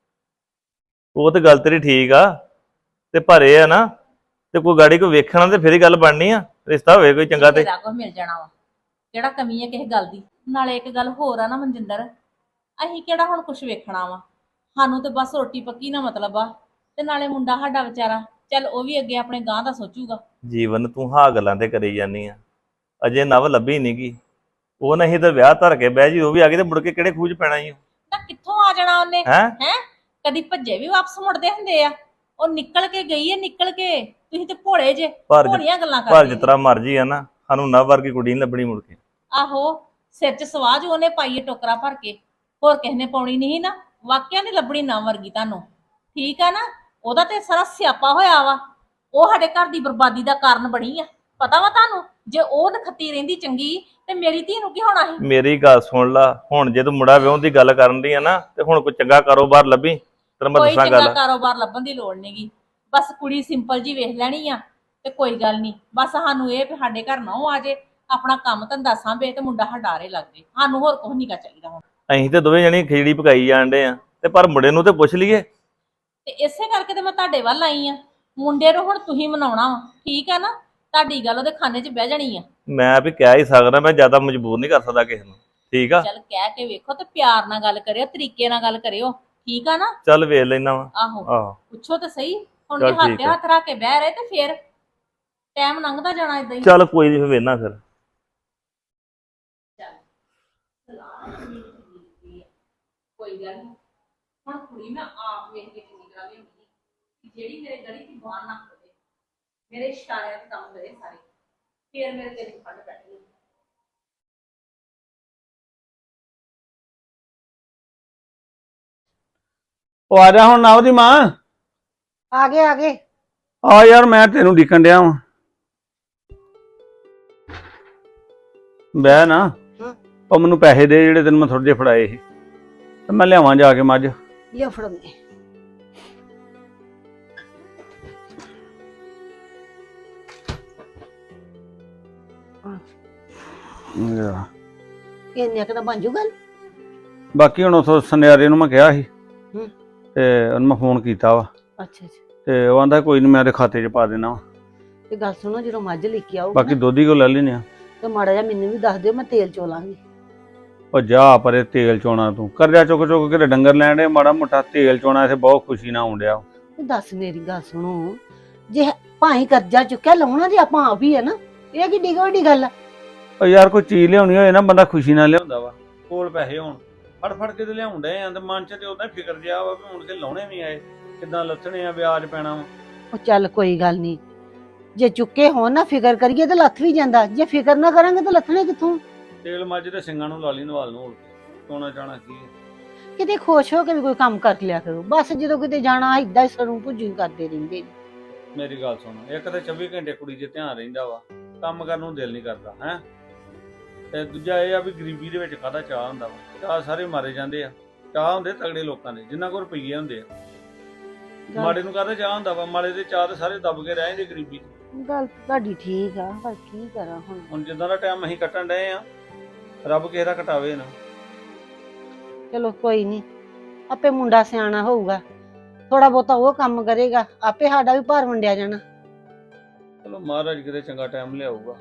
Speaker 4: ਉਹ ਤੇ ਗੱਲ ਤੇਰੀ ਠੀਕ ਆ, ਤੇ ਪਰ ਇਹ ਆ ਨਾ, ਤੇ ਕੋਈ ਗਾੜੀ ਕੋ ਵੇਖਣਾ ਤੇ ਫਿਰ ਹੀ ਗੱਲ ਬਣਨੀ ਆ। ਰਿਸ਼ਤਾ ਹੋਵੇ ਕੋਈ ਚੰਗਾ ਤੇ
Speaker 1: ਤੇਰਾ ਕੁਝ ਮਿਲ ਜਾਣਾ ਵਾ, ਕਿਹੜਾ ਕਮੀ ਹੈ ਕਿਸੇ ਗੱਲ ਦੀ। ਨਾਲੇ ਇੱਕ ਗੱਲ ਹੋਰ ਆ ਨਾ ਮਨਜਿੰਦਰ, ਅਸੀਂ ਕਿਹੜਾ ਹੁਣ ਕੁਝ ਵੇਖਣਾ ਵਾ, ਸਾਨੂੰ ਤੇ ਬਸ ਰੋਟੀ ਪੱਕੀ ਨਾ ਮਤਲਬ ਆ। ਤੇ ਨਾਲੇ ਮੁੰਡਾ ਸਾਡਾ ਵਿਚਾਰਾ, ਚੱਲ ਉਹ ਵੀ ਅੱਗੇ ਆਪਣੇ ਗਾਂ ਦਾ ਸੋਚੂਗਾ।
Speaker 4: ਜੀਵਨ ਤੂੰ ਹਾਂ ਗੱਲਾਂ ਤੇ ਕਰੀ ਜਾਂਦੀ ਆ, ਅਜੇ ਨਵ ਲੱਭੀ ਨੀ ਗੀ, ਉਹ ਨਹੀਂ ਤੇ ਵਿਆਹ ਧਰ ਕੇ ਬਹਿ ਜੀ, ਉਹ ਵੀ ਆ ਗਈ ਤੇ ਮੁੜ ਕੇ ਕਿਹੜੇ ਖੂਜ ਪੈਣਾ ਈ?
Speaker 1: ਤਾਂ ਕਿੱਥੋਂ ਆ ਜਾਣਾ ਉਹਨੇ?
Speaker 4: ਹੈ
Speaker 1: ਹੈ ਕਦੀ ਭੱਜੇ ਵੀ ਵਾਪਸ ਮੁੜਦੇ ਹੁੰਦੇ ਆ, ਉਹ ਨਿਕਲ ਕੇ ਗਈ ਹੈ, ਨਿਕਲ ਕੇ। ਤੁਸੀਂ ਤੇ ਭੋਲੇ ਜੇ,
Speaker 4: ਪਰ
Speaker 1: ਭੋਲੀਆਂ ਗੱਲਾਂ
Speaker 4: ਪਰ
Speaker 1: ਕਰਦੇ
Speaker 4: ਜਿਸ
Speaker 1: ਜੇ।
Speaker 4: ਤਰ੍ਹਾਂ ਮਰਜੀ ਆ ਨਾ, ਸਾਨੂੰ ਨਵ ਵਰਗੀ ਕੁੜੀ ਨੀ ਲੱਭਣੀ ਮੁੜ ਕੇ।
Speaker 1: ਆਹੋ, ਸਿਰ 'ਚ ਸਵਾਜ ਉਹਨੇ ਪਾਈ ਹੈ ਟੋਕਰਾ ਭਰ ਕੇ, ਹੋਰ ਕਿਸੇ ਨੇ ਪਾਉਣੀ ਨਹੀਂ ਨਾ। ਵਾਕਿਆ ਨਹੀਂ ਲੱਭਣੀ ਨਾ ਵਰਗੀ ਤੁਹਾਨੂੰ, ਠੀਕ ਆ ਨਾ? ਉਹਦਾ ਤੇ ਸਾਰਾ ਸਿਆਪਾ ਹੋਇਆ ਵਾ, ਉਹ ਸਾਡੇ ਘਰ ਦੀ ਬਰਬਾਦੀ ਦਾ ਕਾਰਨ ਬਣੀ ਆ। ਪਤਾ ਵਾ ਤੁਹਾਨੂੰ? ਜੇ ਉਹ ਨਖੱਤੀ ਰਹਿੰਦੀ ਚੰਗੀ, ਤੇ ਮੇਰੀ ਧੀ ਨੂੰ ਕੀ ਹੋਣਾ ਸੀ?
Speaker 4: ਮੇਰੀ ਗੱਲ ਸੁਣ ਲਾ, ਹੁਣ ਜੇ ਤੂੰ ਮੁੰਡਾ ਵਿਆਹ ਦੀ ਗੱਲ ਕਰਨ ਦੀ ਆ ਨਾ, ਤੇ ਹੁਣ ਕੋਈ ਚੰਗਾ ਕਾਰੋਬਾਰ ਲੱਭੀ, ਤੈਨੂੰ ਮੈਂ
Speaker 1: ਕੋਈ
Speaker 4: ਦੱਸਾਂ
Speaker 1: ਚੰਗਾ
Speaker 4: ਗੱਲ।
Speaker 1: ਕਾਰੋਬਾਰ ਲੱਭਣ ਦੀ ਲੋੜ ਨਹੀਂਗੀ, ਬਸ ਕੁੜੀ ਸਿੰਪਲ ਜੀ ਵੇਖ ਲੈਣੀ ਆ, ਤੇ ਕੋਈ ਗੱਲ ਨਹੀਂ। ਬਸ ਸਾਨੂੰ ਇਹ ਵੀ ਸਾਡੇ ਘਰ ਨਾ ਆ ਜੇ, ਆਪਣਾ ਕੰਮ ਧੰਦਾ ਸਾਂਭੇ, ਤੇ ਮੁੰਡਾ ਹਡਾਰੇ ਲੱਗ ਜੇ, ਸਾਨੂੰ ਹੋਰ ਕੁਝ ਨਹੀਂ ਕਾ ਚਾਹੀਦਾ ਹੁਣ।
Speaker 4: ਅਸੀਂ ਤੇ ਦੋਵੇਂ ਜਣੇ ਖਿਚੜੀ ਪਕਾਈ ਜਾਂਦੇ ਆ, ਤੇ ਪਰ ਮੁੰਡੇ ਨੂੰ ਤੇ ਪੁੱਛ ਲਈਏ।
Speaker 1: ਤੇ ਇਸੇ ਕਰਕੇ ਤੇ ਮੈਂ ਤੁਹਾਡੇ ਵੱਲ ਆਈ ਆ। ਮੁੰਡੇ ਨੂੰ ਹੁਣ ਤੁਸੀਂ ਮਨਾਉਣਾ ਵਾ, ਠੀਕ ਆ ਨਾ? ਤੁਹਾਡੀ ਗੱਲ ਉਹਦੇ ਖਾਨੇ 'ਚ ਬਹਿ ਜਾਣੀ ਆ।
Speaker 4: ਮੈਂ ਵੀ ਕਹਿ ਹੀ ਸਕਦਾ, ਮੈਂ ਜ਼ਿਆਦਾ ਮਜਬੂਰ ਨਹੀਂ ਕਰ ਸਕਦਾ ਕਿਸੇ ਨੂੰ। ਠੀਕ ਆ,
Speaker 1: ਚੱਲ ਕਹਿ ਕੇ ਵੇਖੋ ਤੇ ਪਿਆਰ ਨਾਲ ਗੱਲ ਕਰਿਓ, ਤਰੀਕੇ ਨਾਲ ਗੱਲ ਕਰਿਓ, ਠੀਕ ਆ ਨਾ?
Speaker 4: ਚੱਲ ਵੇਖ ਲੈਣਾ ਵਾ।
Speaker 1: ਆਹੋ
Speaker 4: ਆਹੋ
Speaker 1: ਪੁੱਛੋ ਤੇ ਸਹੀ, ਹੁਣ
Speaker 4: ਚੱਲ
Speaker 1: ਜੇ ਹੱਥ
Speaker 4: ਠੀਕ
Speaker 1: ਤੇ
Speaker 4: ਆ।
Speaker 1: ਹੱਥ ਰੱਖ ਕੇ ਬਹਿ ਰਹੇ ਤੇ ਫੇਰ ਟਾਈਮ ਲੰਘਦਾ ਜਾਣਾ ਇਦਾਂ ਹੀ।
Speaker 4: ਚੱਲ ਕੋਈ ਨਹੀਂ, ਫਿਰ ਵੇਖਣਾ ਫਿਰ।
Speaker 1: ਕੋਈ ਗੱਲ ਨਹੀਂ, ਹੁਣ ਕੁੜੀ ਮੈਂ ਆਪ ਵੇਖ ਕੇ ਚੰਗੀ ਤਰ੍ਹਾਂ ਲਿਆਉਂਦੀ ਜਿਹੜੀ ਮੇਰੇ ਗਲੀ ਦੀ ਬਾਹਰ ਨਾ ਹੋਵੇ, ਮੇਰੇ ਇਸ਼ਾਰਿਆਂ ਤੇ ਕੰਮ ਕਰੇ ਸਾਰੇ, ਫੇਰ ਮੇਰੇ ਤੇ ਫੜ ਬੈਠੇ।
Speaker 3: ਉਹ ਆ ਜਾ ਹੁਣ ਨਾ ਉਹਦੀ ਮਾਂ।
Speaker 5: ਆ ਗਏ ਆ ਗਏ।
Speaker 3: ਆ ਯਾਰ ਮੈਂ ਤੈਨੂੰ ਡੀਕਣ ਡਿਆ ਵਾਂ। ਬਹਿ ਨਾ।
Speaker 5: ਹਾਂ।
Speaker 3: ਉਹ ਮੈਨੂੰ ਪੈਸੇ ਦੇ ਜਿਹੜੇ ਤੈਨੂੰ ਮੈਂ ਥੋੜੇ ਜਿਹੇ ਫੜਾਏ ਸੀ, ਤੇ ਮੈਂ ਲਿਆਵਾਂ ਜਾ ਕੇ ਮੱਝ।
Speaker 5: ਲਿਆ ਫੜਾਉਂਦੇ। ਇੰਨੇ ਕੁ ਤਾਂ ਬਣ ਜੂ ਗੱਲ।
Speaker 3: ਬਾਕੀ ਹੁਣ ਉਥੋਂ ਸੁਨਿਆਰੇ ਨੂੰ ਮੈਂ ਕਿਹਾ ਸੀ,
Speaker 5: ਹੂੰ।
Speaker 3: ਤੇ ਉਹਨੂੰ ਮੈਂ ਫੋਨ ਕੀਤਾ ਵਾ,
Speaker 5: ਅੱਛਾ ਅੱਛਾ।
Speaker 3: ਤੇ ਉਹ ਆਂਦਾ ਕੋਈ ਨਹੀਂ ਮੈਂ ਉਹਦੇ ਖਾਤੇ 'ਚ ਪਾ ਦੇਣਾ ਵਾ।
Speaker 5: ਤੇ ਗੱਲ ਸੁਣੋ, ਜਦੋਂ ਮੱਝ ਲੈ ਕੇ ਆਓ
Speaker 3: ਬਾਕੀ ਦੋਧੀ ਕੋ ਲੈ ਲੈਨੇ ਆ।
Speaker 5: ਤੇ ਮਾੜਾ ਜਿਹਾ ਮੈਨੂੰ ਵੀ ਦੱਸ ਦਿਓ, ਮੈਂ ਤੇਲ ਚੋਲਾਂਗੀ।
Speaker 3: ਉਹ ਜਾ ਪਰੇ, ਤੇਲ ਚੋਣਾ ਤੂੰ ਕਰਜ਼ਾ ਚੁੱਕ ਚੁੱਕ ਕੇ ਡੰਗਰ ਲੈਣ ਦੇ, ਮਾੜਾ ਮੋਟਾ ਤੇਲ ਚੋਣਾ ਇੱਥੇ ਬਹੁਤ ਖੁਸ਼ੀ ਨਾਲ ਆਉਂਦਿਆ।
Speaker 5: ਤੇ ਦੱਸ ਮੇਰੀ ਗੱਲ ਸੁਣੋ, ਜੇ ਭਾਈ ਕਰਜ਼ਾ ਚੁੱਕਿਆ ਲਾਉਣਾ ਤੇ ਆਪਾਂ ਆਪ ਹੀ ਹੈ ਨਾ, ਇਹ ਕਿੱਡੀ ਕੁ ਵੱਡੀ ਗੱਲ ਆ।
Speaker 3: ਉਹ ਯਾਰ ਕੋਈ ਚੀਜ਼ ਲਿਆਉਣੀ ਹੋਏ ਨਾ, ਬੰਦਾ ਖੁਸ਼ੀ ਨਾਲ ਲਿਆਉਂਦਾ ਵਾ। ਕੋਲ ਪੈਸੇ ਹੋਣ ਫੜ ਫੜ ਕੇ ਤੇ ਲਿਆਉਂਦੇ ਆ, ਤੇ ਮਨ 'ਚ ਤੇ ਉਹਦਾ ਫਿਕਰ ਜਿਹਾ ਵਾ ਵੀ ਹੁਣ ਕੇ ਲਾਉਣੇ ਵੀ ਆਏ, ਕਿੱਦਾਂ ਲੱਥਣੇ ਆ, ਵਿਆਜ ਪੈਣਾ ਵਾ।
Speaker 5: ਉਹ ਚੱਲ ਕੋਈ ਗੱਲ ਨਹੀਂ, ਜੇ ਚੁੱਕੇ ਹੋਣ ਨਾ ਫਿਕਰ ਕਰੀਏ ਤਾਂ ਲੱਥ ਵੀ ਜਾਂਦਾ, ਜੇ ਫਿਕਰ ਨਾ ਕਰਾਂਗੇ ਤਾਂ ਲੱਥਣੇ ਕਿੱਥੋਂ।
Speaker 3: ਤੇਲ ਮੱਝ ਦੇ ਸਿੰਘਾਂ ਨੂੰ ਲਾ ਲਈ ਨਵਾਲ ਨੂੰ, ਸੋਣਾ ਚਾਹਣਾ ਕੀ ਹੈ।
Speaker 5: ਕਿਤੇ ਖੁਸ਼ ਹੋ ਕੇ ਵੀ ਕੋਈ ਕੰਮ ਕਰ ਲਿਆ ਕਰੋ, ਬਸ ਜਦੋਂ ਕਿਤੇ ਜਾਣਾ ਏਦਾਂ ਹੀ ਸਰੋਂ ਭੁੱਜੀ ਕਰਦੇ ਰਹਿੰਦੇ ਨੇ।
Speaker 3: ਮੇਰੀ ਗੱਲ ਸੁਣ, ਇੱਕ ਤਾਂ ਚੌਵੀ ਘੰਟੇ ਕੁੜੀ 'ਚ ਧਿਆਨ ਰਹਿੰਦਾ ਵਾ, ਕੰਮ ਕਰਨ ਨੂੰ ਦਿਲ ਨਹੀਂ ਕਰਦਾ ਹੈ। ਤੇ ਦੂਜਾ ਇਹ ਆ ਵੀ ਗਰੀਬੀ ਦੇ ਵਿੱਚ ਕਾਹਦਾ ਚਾਹ ਹੁੰਦਾ ਵਾ, ਚਾਹ ਸਾਰੇ ਮਾਰੇ ਜਾਂਦੇ ਆ। ਚਾਹ ਹੁੰਦੇ ਤਗੜੇ ਲੋਕਾਂ ਦੇ, ਜਿਨ੍ਹਾਂ ਕੋਲ ਰੁਪਈਏ ਹੁੰਦੇ ਆ। ਮਾੜੇ ਨੂੰ ਕਾਹਦਾ ਚਾਹ ਹੁੰਦਾ ਵਾ, ਮਾੜੇ ਦੇ ਚਾਹ ਤੇ ਸਾਰੇ ਦਬ ਕੇ ਰਹਿ ਜਾਂਦੇ ਗਰੀਬੀ 'ਚ।
Speaker 5: ਗੱਲ ਤੁਹਾਡੀ ਠੀਕ ਆ, ਪਰ ਕੀ ਕਰਾਂ ਹੁਣ।
Speaker 3: ਹੁਣ ਜਿੱਦਾਂ ਦਾ ਟਾਈਮ ਅਸੀਂ ਕੱਟਣ ਡਏ ਆ, ਰੱਬ ਕਿਸੇ ਦਾ ਕਟਾਵੇ ਨਾ।
Speaker 5: ਚਲੋ ਕੋਈ ਨਹੀਂ, ਆਪੇ ਮੁੰਡਾ ਸਿਆਣਾ ਹੋਊਗਾ, ਥੋੜਾ ਬਹੁਤਾ ਉਹ ਕੰਮ ਕਰੇਗਾ, ਆਪੇ ਸਾਡਾ ਵੀ ਭਾਰ ਵੰਡਿਆ ਜਾਣਾ।
Speaker 3: ਚਲੋ ਮਹਾਰਾਜ ਕਿਤੇ ਚੰਗਾ ਟਾਈਮ ਲਿਆਊਗਾ,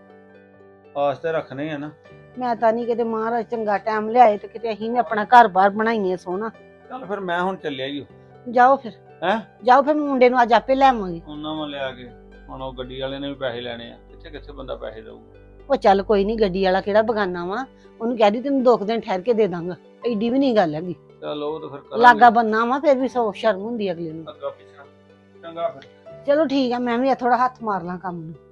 Speaker 3: ਆਸ ਤੇ ਰੱਖਣੇ ਆ ਨਾ।
Speaker 5: ਮੈਂ ਤਾਂ ਨਹੀਂ ਕਿਤੇ ਮਹਾਰਾਜ ਚੰਗਾ ਟਾਈਮ ਲਿਆਏ ਤੇ ਕਿਤੇ ਅਸੀਂ ਵੀ ਆਪਣਾ ਘਰ-ਬਾਰ ਬਣਾਈਏ ਸੋਹਣਾ।
Speaker 3: ਚੱਲ ਫਿਰ ਮੈਂ ਹੁਣ ਚੱਲਿਆ ਈ ਓ।
Speaker 5: ਜਾਓ ਫਿਰ।
Speaker 3: ਹੈਂ?
Speaker 5: ਜਾਓ ਫਿਰ, ਮੁੰਡੇ ਨੂੰ ਅੱਜ ਆਪੇ ਲੈ ਆਵਾਂਗੇ।
Speaker 3: ਉਹਨਾਂ ਮੈਂ ਲਿਆ ਕੇ, ਹੁਣ ਉਹ ਗੱਡੀ ਵਾਲੇ ਨੇ ਵੀ ਪੈਸੇ ਲੈਣੇ ਆ, ਕਿੱਥੇ ਕਿੱਥੇ ਬੰਦਾ ਪੈਸੇ ਦਊਗਾ।
Speaker 5: ਉਹ ਚੱਲ ਕੋਈ ਨਹੀਂ, ਗੱਡੀ ਵਾਲਾ ਕਿਹੜਾ ਬਗਾਨਾ ਵਾ, ਉਹਨੂੰ ਕਹਿ ਦੀ ਤੈਨੂੰ ਦੋ ਕੁ ਦਿਨ ਠਹਿਰ ਕੇ ਦੇ ਦਾਂਗਾ, ਐਡੀ ਵੀ ਨਹੀਂ ਗੱਲ ਹੈਗੀ।
Speaker 3: ਚਲ ਉਹ ਤਾਂ ਫਿਰ ਕਰਾਂਗੇ।
Speaker 5: ਲਾਗਾ ਬੰਨਾ ਵਾ, ਫਿਰ ਵੀ ਸੌ ਸ਼ਰਮ ਹੁੰਦੀ ਅਗਲੇ ਨੂੰ।
Speaker 3: ਅੱਗਾ ਪਿੱਛਾ ਚੰਗਾ ਫਿਰ।
Speaker 5: ਚਲੋ ਠੀਕ ਆ, ਮੈਂ ਵੀ ਥੋੜਾ ਹੱਥ ਮਾਰ ਲਾਂ ਕੰਮ ਨੂੰ।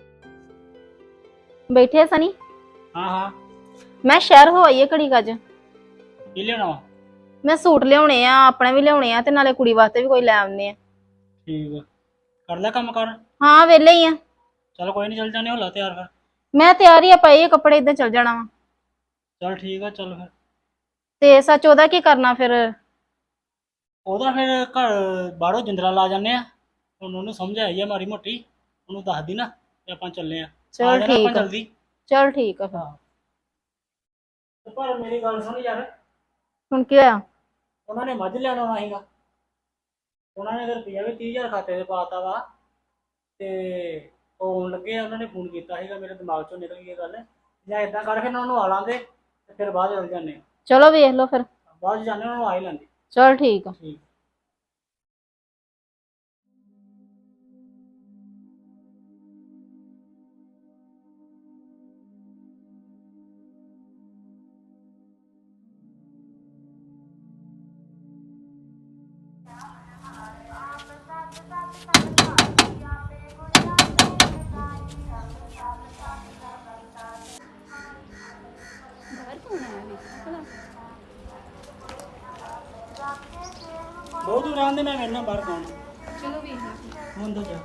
Speaker 7: ਬੈਠੇ ਆ ਸਨੀ?
Speaker 8: ਹਾਂ ਹਾਂ।
Speaker 7: ਮੈਂ ਸ਼ਹਿਰ ਹੋ ਆਈ ਏ ਘੜੀ ਕੱਜ।
Speaker 8: ਕੀ ਲੈਣਾ ਵਾ?
Speaker 7: ਮੈਂ ਸੂਟ ਲਿਆਉਣੇ ਆ, ਆਪਣੇ ਵੀ ਲਿਆਉਣੇ ਆ, ਤੇ ਨਾਲੇ ਕੁੜੀ ਵਾਸਤੇ ਵੀ ਕੋਈ ਲੈ ਆਉਂਦੇ ਆ।
Speaker 8: ਠੀਕ ਆ, ਕਰ ਲੈ ਕੰਮ ਕਰ।
Speaker 7: ਹਾਂ ਵਿਹਲੇ ਹੀ ਆ।
Speaker 8: ਚਲ ਕੋਈ ਨਹੀਂ, ਚੱਲ ਜਾਣੇ, होला ਤਿਆਰ ਕਰ।
Speaker 7: ਮੈਂ ਤਿਆਰ ਹੀ ਆ, ਪਏ ਆ ਕੱਪੜੇ, ਇਦਾਂ ਚੱਲ ਜਾਣਾ ਵਾ।
Speaker 8: ਚਲ ਠੀਕ ਆ, ਚੱਲ ਫਿਰ।
Speaker 7: ਤੇ ਸੱਚ ਉਹਦਾ ਕੀ ਕਰਨਾ ਫਿਰ?
Speaker 8: ਉਹਦਾ ਫਿਰ ਘਰ ਬਾਹਰੋਂ ਜਿੰਦਰਾ ਲਾ ਜਾਂਦੇ ਆ, ਹੁਣ ਉਹਨੂੰ ਸਮਝ ਆਈ ਆ ਮਾਰੀ ਮੋਟੀ, ਉਹਨੂੰ ਦੱਸ ਦੀ ਨਾ ਤੇ ਆਪਾਂ ਚੱਲੇ ਆ।
Speaker 7: ਚਲ ਠੀਕ ਆ,
Speaker 8: ਜਲਦੀ।
Speaker 7: ਚਲ ਠੀਕ ਆ ਫਿਰ।
Speaker 8: ਤੇ ਪਰ ਮੇਰੀ ਗੱਲ ਸੁਣ ਯਾਰ,
Speaker 7: ਹੁਣ ਕੀ ਹੋਇਆ?
Speaker 8: ਉਹਨਾਂ ਨੇ ਮੱਝ ਲੈਣ ਆਉਣਾ ਸੀਗਾ, ਉਹਨਾਂ ਨੇ ਰੁਪਈਆ ਵੀ ਤੀਹ ਹਜ਼ਾਰ ਖਾਤੇ 'ਤੇ ਪਾਤਾ ਵਾ, ਤੇ ਉਹ ਆਉਣ ਲੱਗੇ ਆ, ਉਹਨਾਂ ਨੇ ਫੋਨ ਕੀਤਾ ਸੀਗਾ, ਮੇਰੇ ਦਿਮਾਗ 'ਚੋਂ ਨਿਕਲ ਗਈ ਇਹ ਗੱਲ। ਜਾਂ ਇਦਾਂ ਕਰ, ਫਿਰ ਉਹਨਾਂ ਨੂੰ ਆ ਲਾਂਦੇ ਤੇ ਫਿਰ ਬਾਅਦ ਚੱਲ ਜਾਂਦੇ ਆ।
Speaker 7: ਚਲੋ ਵੇਖ ਲਓ ਫਿਰ।
Speaker 8: ਬਾਅਦ 'ਚ ਜਾਂਦੇ, ਉਹਨਾਂ ਨੂੰ ਆ ਹੀ ਲੈਂਦੇ।
Speaker 7: ਚਲ ਠੀਕ ਆ।
Speaker 8: ਠੀਕ। ਬਹੁਤ ਦੂਰ ਆਂਦੇ, ਮੈਂ ਵੇਖਣਾ ਬਾਹਰ ਕੌਣ।
Speaker 2: ਚਲੋ ਵੇਖ ਲਾ।
Speaker 8: ਹੁਣ ਤਾਂ ਜਾ।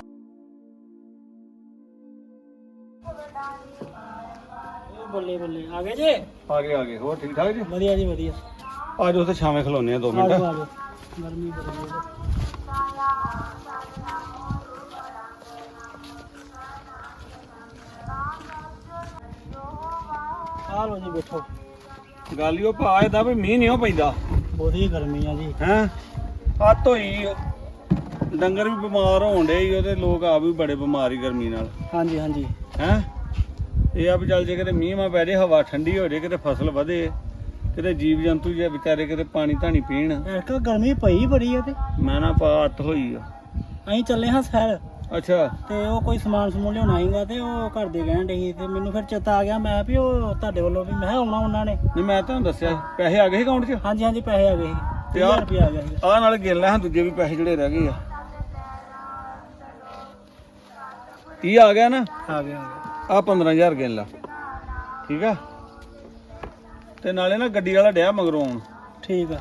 Speaker 8: ਉਹ ਬੱਲੇ ਬੱਲੇ ਆ ਗਏ ਜੇ?
Speaker 3: ਆ ਗਏ ਆ ਗਏ, ਹੋਰ ਠੀਕ ਠਾਕ ਜੀ?
Speaker 8: ਵਧੀਆ ਜੀ ਵਧੀਆ।
Speaker 3: ਆ ਜਾਓ, ਉੱਥੇ ਛਾਵੇਂ ਖਲੋਨੇ ਆ ਦੋ ਮਿੰਟ।
Speaker 8: ਆ ਜਾਓ, ਗਰਮੀ ਬੜੀ ਹੈ। ਆ ਲੋ ਜੀ, ਬੈਠੋ।
Speaker 3: ਗੱਲ ਹੀ ਉਹ ਭਾ ਇਹਦਾ ਵੀ ਮੀਂਹ ਨਹੀਂ ਉਹ ਪੈਂਦਾ,
Speaker 8: ਬਹੁਤੀ ਗਰਮੀ ਆ ਜੀ।
Speaker 3: ਹੈਂ। ਹੱਥ ਹੋਈ ਡੰਗਰ ਵੀ ਬਿਮਾਰ ਹੋਣ ਡੇ, ਉਹਦੇ ਲੋਕ ਆ ਵੀ ਬੜੇ ਬਿਮਾਰ ਹੀ ਗਰਮੀ ਨਾਲ।
Speaker 8: ਹਾਂਜੀ ਹਾਂਜੀ।
Speaker 3: ਹੈਂ। ਇਹ ਆ ਵੀ ਚੱਲ ਜੇ ਕਿਤੇ ਮੀਂਹ ਮਾ ਪੈ ਜੇ, ਹਵਾ ਠੰਡੀ ਹੋ ਜੇ, ਕਿਤੇ ਫਸਲ ਵਧੇ, ਕਿਤੇ ਜੀਵ ਜੰਤੂ ਜੇ ਵਿਚਾਰੇ ਕਿਤੇ ਪਾਣੀ ਧਾਣੀ ਪੀਣ।
Speaker 8: ਇੱਕ ਗਰਮੀ ਪਈ ਬੜੀ ਆ ਤੇ
Speaker 3: ਮੈਂ ਨਾ ਪਾਤ ਹੋਈ ਆ।
Speaker 8: ਅਸੀਂ ਚੱਲੇ ਹਾਂ ਸੈਰ,
Speaker 3: ਅੱਛਾ
Speaker 8: ਤੇ ਉਹ ਕੋਈ ਸਮਾਨ ਸਮੂਨ ਲਿਆਉਣਾ ਸੀਗਾ ਤੇ ਉਹ ਘਰ ਦੇ ਕਹਿਣ ਡੇ ਸੀ, ਤੇ ਮੈਨੂੰ ਫਿਰ ਚੇਤਾ ਆ ਗਿਆ ਮੈਂ ਵੀ ਉਹ ਤੁਹਾਡੇ ਵੱਲੋਂ ਵੀ ਮੈਂ ਕਿਹਾ ਆਉਣਾ ਉਹਨਾਂ ਨੇ।
Speaker 3: ਨਹੀਂ ਮੈਂ ਤੁਹਾਨੂੰ ਦੱਸਿਆ ਪੈਸੇ ਆ ਗਏ ਅਕਾਊਂਟ 'ਚ।
Speaker 8: ਹਾਂਜੀ ਹਾਂਜੀ ਪੈਸੇ ਆ ਗਏ ਸੀ,
Speaker 3: ਤੇ
Speaker 8: ਤੀਹ
Speaker 3: ਆਹ-
Speaker 8: ਹਜ਼ਾਰ ਰੁਪਇਆ ਆ ਗਿਆ ਸੀ।
Speaker 3: ਆਹ ਨਾਲ ਗਿਣ ਲੈ ਹਾਂ ਦੂਜੇ ਵੀ ਪੈਸੇ ਜਿਹੜੇ ਰਹਿ ਗਏ ਆ। ਤੀਹ ਆ ਗਿਆ ਨਾ,
Speaker 8: ਆ ਗਿਆ ਆ ਗਿਆ।
Speaker 3: ਆਹ ਪੰਦਰਾਂ ਹਜ਼ਾਰ ਗਿਣ ਲਾ, ਠੀਕ ਆ। ਤੇ ਨਾਲੇ ਨਾ ਗੱਡੀ ਵਾਲਾ ਡਿਆ ਮਗਰੋਂ ਆਉਣ।
Speaker 8: ਠੀਕ ਆ।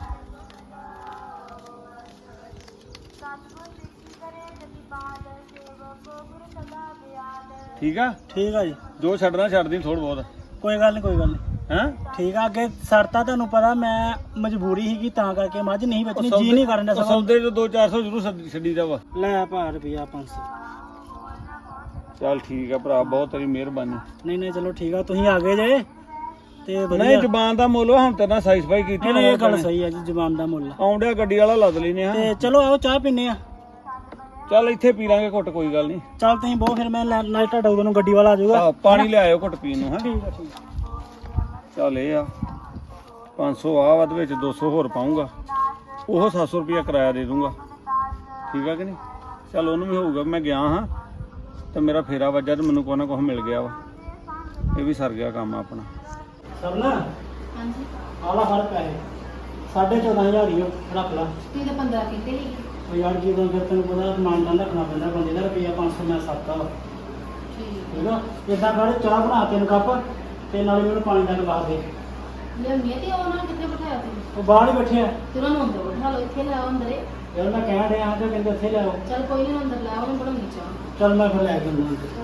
Speaker 3: ਠੀਕ ਆ,
Speaker 8: ਠੀਕ ਆ ਜੀ,
Speaker 3: ਜੋ ਛੱਡਣਾ ਛੱਡ ਦੀ ਥੋੜ੍ਹਾ ਬਹੁਤ,
Speaker 8: ਕੋਈ ਗੱਲ ਨਹੀਂ ਕੋਈ ਗੱਲ ਨਹੀਂ।
Speaker 3: ਹੈਂ।
Speaker 8: ਠੀਕ ਆ, ਅੱਗੇ ਸਰਤਾ ਤੁਹਾਨੂੰ ਪਤਾ ਮੈਂ ਮਜਬੂਰੀ ਸੀਗੀ ਤਾਂ ਕਰਕੇ ਮੱਝ ਨਹੀਂ ਵੇਚਣੀ, ਜੀ ਨਹੀਂ ਕਰਨ ਦਾ
Speaker 3: ਉਹ
Speaker 8: ਸਗੋਂ।
Speaker 3: ਸੌਦੇ ਚ ਦੋ ਚਾਰ ਸੌ ਜ਼ਰੂਰ ਛੱਡ- ਛੱਡੀ ਦਾ ਵਾ।
Speaker 8: ਲੈ ਭਾ ਰੁਪਿਆ ਪੰਜ ਸੌ।
Speaker 3: ਚੱਲ ਠੀਕ ਆ ਭਰਾ, ਬਹੁਤ ਤੇਰੀ ਮਿਹਰਬਾਨੀ।
Speaker 8: ਨਹੀਂ ਨਹੀਂ ਚਲੋ ਠੀਕ ਆ, ਤੁਸੀਂ ਆ ਗਏ ਜੇ ਤੇ
Speaker 3: ਨਹੀਂ
Speaker 8: ਵਧੀਆ।
Speaker 3: ਜ਼ਬਾਨ ਦਾ ਮੁੱਲ ਵਾ, ਹੁਣ ਤੇਰੇ ਨਾਲ ਸਾਈ ਸਫਾਈ ਕੀਤੀ।
Speaker 8: ਨਹੀਂ ਨਹੀਂ ਇਹ ਗੱਲ ਸਹੀ ਹੈ ਜੀ, ਜ਼ਬਾਨ ਦਾ ਮੁੱਲ।
Speaker 3: ਆਉਂਦਿਆ ਗੱਡੀ ਵਾਲਾ ਲੱਦ ਲੈਨੇ ਆ।
Speaker 8: ਤੇ ਚਲੋ ਆਓ ਚਾਹ ਪੀਨੇ ਆ।
Speaker 3: ਚੱਲ ਇੱਥੇ ਪੀ ਲਾਂਗੇ ਘੁੱਟ, ਕੋਈ ਗੱਲ ਨਹੀਂ।
Speaker 8: ਚੱਲ ਤੁਸੀਂ ਬਹੁਤ, ਫਿਰ ਮੈਂ ਲੈ- ਨਾਲੇ ਤੁਹਾਡਾ ਉਦੋਂ ਨੂੰ ਗੱਡੀ ਵਾਲਾ ਆ ਜਾਊਗਾ।
Speaker 3: ਆਹ ਪਾਣੀ ਲਿਆਇਓ ਘੁੱਟ ਪੀਣ ਨੂੰ। ਹੈ
Speaker 8: ਠੀਕ ਆ ਠੀਕ ਆ।
Speaker 3: ਚੱਲ ਇਹ ਆ ਪੰਜ ਸੌ ਆ ਵੱਧ ਵਿੱਚ ਦੋ ਸੌ ਹੋਰ ਪਾਉਂਗਾ, ਉਹ ਸੱਤ ਸੌ ਰੁਪਇਆ ਕਿਰਾਇਆ ਦੇ ਦੂੰਗਾ। ਠੀਕ ਆ ਕਿ ਨਹੀਂ। ਚੱਲ ਉਹਨੂੰ ਵੀ ਹੋਊਗਾ ਮੈਂ ਗਿਆ ਹਾਂ ਤੇ ਮੇਰਾ ਫੇਰਾ ਵੱਜਾ ਤੇ ਮੈਨੂੰ ਕੋਈ ਨਾ ਕੁਛ ਮਿਲ ਗਿਆ ਵਾ, ਇਹ ਵੀ ਸਰ ਗਿਆ ਕੰਮ ਆਪਣਾ।
Speaker 8: ਸਰ ਨਾ
Speaker 7: ਹਾਂਜੀ
Speaker 8: ਆਲਾ ਫੜ ਪੈਸੇ ਸਾਢੇ ਚੌਦਾਂ ਹਜ਼ਾਰ ਹੀ ਉਹ ਰੱਖ ਲਾ।
Speaker 7: ਤੁਸੀਂ ਤਾਂ ਪੰਦਰਾਂ ਕਹਿੰਦੇ ਸੀ।
Speaker 8: ਉਹ ਯਾਰ ਜਦੋਂ ਫਿਰ ਤੈਨੂੰ ਪਤਾ ਮਾਨਦਾਨ ਰੱਖਣਾ ਪੈਂਦਾ ਬੰਦੇ ਦਾ, ਰੁਪਈਆ ਪੰਜ ਸੌ ਮੈਂ ਸੱਤਾ ਵਾ।
Speaker 7: ਠੀਕ
Speaker 8: ਠੀਕ ਆ, ਇਦਾਂ ਕਰ ਚਾਹ ਬਣਾ ਤਿੰਨ ਕੱਪ ਤੇ ਨਾਲੇ ਮੈਨੂੰ ਪਾਣੀ ਦਾ ਗਲਾਸ ਦੇ।
Speaker 7: ਲਿਆਉਣੀ ਆ ਤੇ ਉਹਨਾਂ ਨੂੰ ਕਿੱਥੇ ਬਿਠਾਇਆ ਤੁਸੀਂ?
Speaker 8: ਉਹ ਬਾਹਰ ਹੀ ਬੈਠੇ ਆ
Speaker 7: ਤੇ ਉਹਨਾਂ ਨੂੰ ਅੰਦਰ ਬਿਠਾ ਲਓ, ਇੱਥੇ ਲੈ ਆਓ ਅੰਦਰੇ।
Speaker 8: ਯਾਰ ਮੈਂ ਕਹਿਣ ਰਿਹਾ ਤੇ ਕਹਿੰਦੇ ਇੱਥੇ ਲਿਆਓ।
Speaker 7: ਚੱਲ ਕੋਈ ਨਹੀਂ ਅੰਦਰ ਲੈ ਆਓ, ਉਹਨੂੰ ਬਣਾਉਣੀ ਚਾਹ।
Speaker 8: ਚੱਲ ਮੈਂ ਫਿਰ ਲੈ ਕੇ ਆਉਂਦਾ।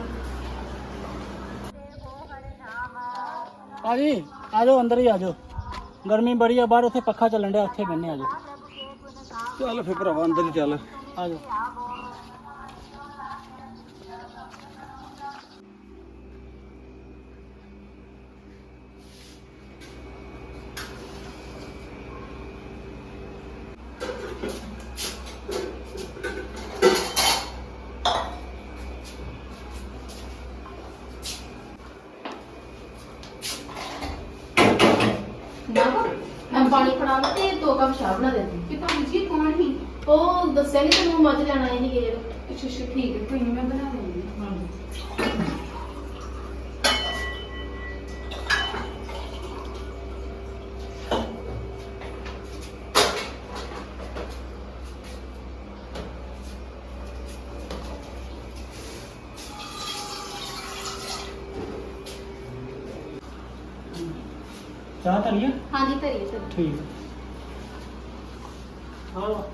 Speaker 8: ਆ ਜੀ ਆ ਜਾਓ, ਅੰਦਰ ਹੀ ਆ ਜਾਓ, ਗਰਮੀ ਬੜੀ ਆ ਬਾਹਰ, ਉੱਥੇ ਪੱਖਾ ਚੱਲਣ ਡਿਆ, ਉੱਥੇ ਬੈਠੇ ਆ ਜਾਓ।
Speaker 3: ਚੱਲ ਫਿਰ ਭਰਾਵਾ ਅੰਦਰ ਹੀ ਚੱਲ।
Speaker 8: ਆ ਜਾਓ।
Speaker 7: ਮੈਂ ਪਾਣੀ ਫੜਾਵਾਂ ਤੇ ਦੋ ਕੱਪ ਚਾਹ ਬਣਾ ਦੇ ਦੇ। ਕਿ ਭਾਈ ਜੀ ਕੌਣ ਹੀ? ਉਹ ਦੱਸਿਆ ਨਹੀਂ ਤੈਨੂੰ ਮੱਝ ਲੈਣ ਆਏ ਨਹੀਂ ਗਏ। ਅੱਛਾ ਅੱਛਾ ਠੀਕ ਹੈ, ਕੋਈ ਨਹੀਂ ਮੈਂ ਬਣਾ ਦਿੰਦੀ ਹਾਂ।
Speaker 8: ਚਾਹ ਧਰੀਏ?
Speaker 7: ਹਾਂਜੀ ਧਰੀਏ ਧਰੀਏ।
Speaker 8: ਠੀਕ ਆ ਲਓ।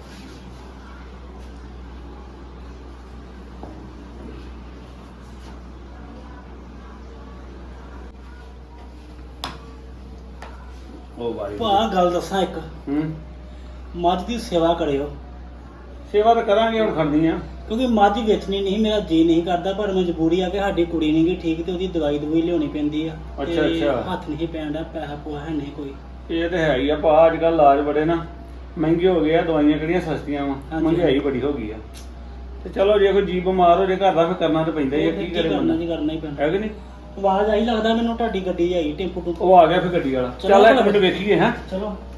Speaker 3: ਉਹ ਵਾਰੀ
Speaker 8: ਭਾ ਗੱਲ ਦੱਸਾਂ ਇੱਕ,
Speaker 3: ਹੂੰ
Speaker 8: ਮੱਝ ਦੀ ਸੇਵਾ ਕਰਿਓ,
Speaker 3: ਸੇਵਾ ਤਾਂ ਕਰਾਂਗੇ, ਹੁਣ ਖੜਨੀ ਆ।
Speaker 8: ਕਿਉਂਕਿ ਮੱਝ ਵੇਚਣੀ ਨਹੀਂ, ਮੇਰਾ ਜੀ ਨਹੀਂ ਕਰਦਾ, ਪਰ ਮਜਬੂਰੀ ਆ ਕਿ ਸਾਡੀ ਕੁੜੀ ਨਹੀਂ ਗੀ ਠੀਕ ਤੇ ਉਹਦੀ ਦਵਾਈ ਦਵਾਈ ਲਿਆਉਣੀ ਪੈਂਦੀ ਆ।
Speaker 3: ਅੱਛਾ,
Speaker 8: ਤੇ
Speaker 3: ਅੱਛਾ।
Speaker 8: ਹੱਥ ਨਹੀਂ ਪੈਂਦਾ, ਪੈਸਾ ਪੂਆ ਹੈ ਨਹੀਂ ਕੋਈ।
Speaker 3: ਇਹ ਤੇ ਹੈ ਹੀ ਆ ਭਾ, ਅੱਜ ਕੱਲ੍ਹ ਇਲਾਜ ਬੜੇ ਨਾ ਮਹਿੰਗੇ ਹੋ ਗਏ ਆ, ਦਵਾਈਆਂ ਕਿਹੜੀਆਂ ਸਸਤੀਆਂ ਵਾ,
Speaker 8: ਹਾਂਜੀ।
Speaker 3: ਮਹਿੰਗਾਈ ਬੜੀ ਹੋ ਗਈ ਆ। ਤੇ ਚਲੋ ਜੇ ਕੋਈ ਜੀ ਬਿਮਾਰ ਹੋ ਜੇ ਘਰ ਦਾ ਫਿਰ ਕਰਨਾ ਤਾਂ ਪੈਂਦਾ ਹੀ ਆ,
Speaker 8: ਉਹ
Speaker 3: ਕੀ
Speaker 8: ਕੀ
Speaker 3: ਕਰੇ
Speaker 8: ਕਰਨਾ
Speaker 3: ਬੰਦਾ,
Speaker 8: ਜੀ, ਕਰਨਾ ਹੀ ਪੈਂਦਾ।
Speaker 3: ਹੈ ਕਿ ਨਹੀਂ।
Speaker 8: ਆਵਾਜ਼ ਆਈ ਲੱਗਦਾ ਮੈਨੂੰ, ਤੁਹਾਡੀ ਗੱਡੀ ਆਈ ਟੈਂਪੂ ਟੂਪੂ।
Speaker 3: ਉਹ ਆ ਗਿਆ ਫਿਰ ਗੱਡੀ ਵਾਲਾ।
Speaker 8: ਚਲੋ
Speaker 3: ਚੱਲ ਇੱਕ
Speaker 8: ਭਲਾ।
Speaker 3: ਮਿੰਟ ਵੇਖੀਏ। ਹੈ
Speaker 8: ਚਲੋ